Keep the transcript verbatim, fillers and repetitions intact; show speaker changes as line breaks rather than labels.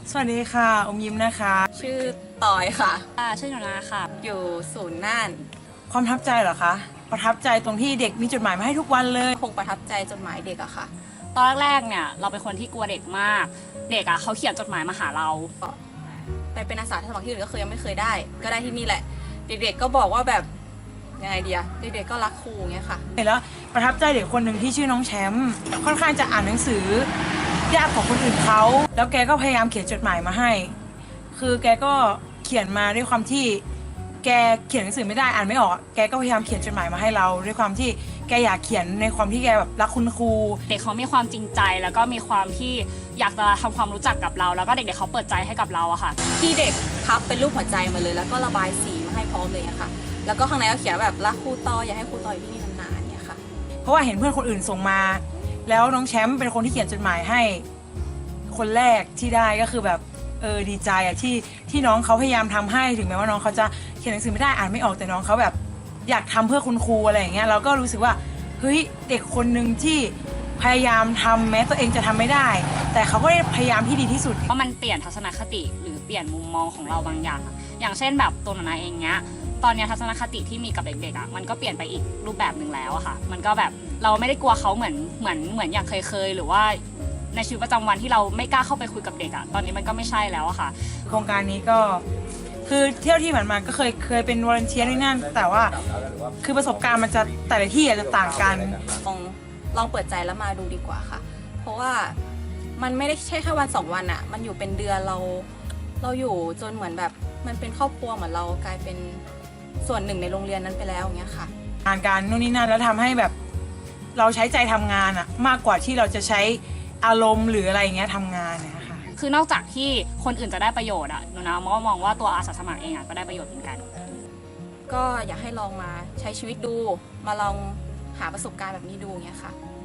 สวัสดีค่ะอมยิ้มนะคะ
ชื่อตอยค่ะ
ชื่อหนูนาค่ะ
อยู่ศูนย์น่าน
ความประทับใจเหรอคะประทับใจตรงที่เด็กมีจดหมายมาให้ทุกวันเลย
คงประทับใจจดหมายเด็กอะค่ะ
ตอนแรกๆเนี่ยเราเป็นคนที่กลัวเด็กมากเด็กอะเขาเขียนจดหมายมาหาเรา
ไปเป็นอาสาสมัครที่อื่นก็เคยยังไม่เคยได้ก็ได้ที่นี่แหละเด็กๆก็บอกว่าแบบยังไงเดียเด็กๆก็รักครูเงี้ยค่ะ
แล้วประทับใจเด็กคนหนึ่งที่ชื่อน้องแชมป์ค่อนข้างจะอ่านหนังสือยากของคนอื่นเขาแล้วแกก็พยายามเขียนจดหมายมาให้คือแกก็เขียนมาด้วยความที่แกเขียนหนังสือไม่ได้อ่านไม่ออกแกก็พยายามเขียนจดหมายมาให้เราด้วยความที่แกอยากเขียนในความที่แกแบบรักคุณครู
เด็กเขามีความจริงใจแล้วก็มีความที่อยากจะทำความรู้จักกับเราแล้วก็เด็กๆเขาเปิดใจให้กับเราอะค่ะ
ที่เด็กพับเป็นรูปหัวใจมาเลยแล้วก็ระบายสีมาให้พร้อมเลยอะค่ะแล้วก็ข้างในก็เขียนแบบรักครูตอยอยากให้ครูตอยอยู่ที่นี่นานๆเนี่ยค่ะ
เพราะว่าเห็นเพื่อนคนอื่นส่งมาแล้วน้องแชมป์เป็นคนที่เขียนจดหมายให้คนแรกที่ได้ก็คือแบบเออดีใจอะที่ที่น้องเขาพยายามทำให้ถึงแม้ว่าน้องเขาจะเขียนหนังสือไม่ได้อ่านไม่ออกแต่น้องเขาแบบอยากทำเพื่อคุณครูอะไรอย่างเงี้ยเราก็รู้สึกว่าเฮ้ยเด็กคนหนึ่งที่พยายามทำแม้ตัวเองจะทำไม่ได้แต่เขาก็ได้พยายามที่ดีที่สุด
เพราะมันเปลี่ยนทัศนคติหรือเปลี่ยนมุมมองของเราบางอย่างอย่างเช่นแบบตัวหนูนาเองเนี้ยตอนนี้ทัศนคติที่มีกับเด็กๆอ่ะมันก็เปลี่ยนไปอีกรูปแบบหนึ่งแล้วอะค่ะมันก็แบบเราไม่ได้กลัวเขาเหมือนเหมือนเหมือนอย่างเคยเคยหรือว่าในชีวิตประจำวันที่เราไม่กล้าเข้าไปคุยกับเด็กอะตอนนี้มันก็ไม่ใช่แล้วอะค่ะ
โครงการนี้ก็คือเที่ยวที่ผ่านมาก็เคยเคยเป็นวอลเนเทียร์นี่นั่นแต่ว่าคือประสบการณ์มันจะแต่ละที่อาจจะต่างกัน
ลองลองเปิดใจแล้วมาดูดีกว่าค่ะเพราะว่ามันไม่ได้ใช่แค่วันสองวันอะมันอยู่เป็นเดือนเราเราอยู่จนเหมือนแบบมันเป็นครอบครัวเหมือนเรากลายเป็นส่วนหนึ่งในโรงเรียนนั้นไปแล้วอย่างเงี้ยค่ะ
งานการนู่นนี่นั่นแล้วทำให้แบบเราใช้ใจทำงานอะมากกว่าที่เราจะใช้อารมณ์หรืออะไรอย่างเงี้ยทำงานนะคะ
คือนอกจากที่คนอื่นจะได้ประโยชน์อะหนูนะมองมองว่าตัวอาสาสมัครเองอะก็ได้ประโยชน์เหมือนกัน
ก็อยากให้ลองมาใช้ชีวิตดูมาลองหาประสบการณ์แบบนี้ดูเงี้ยค่ะ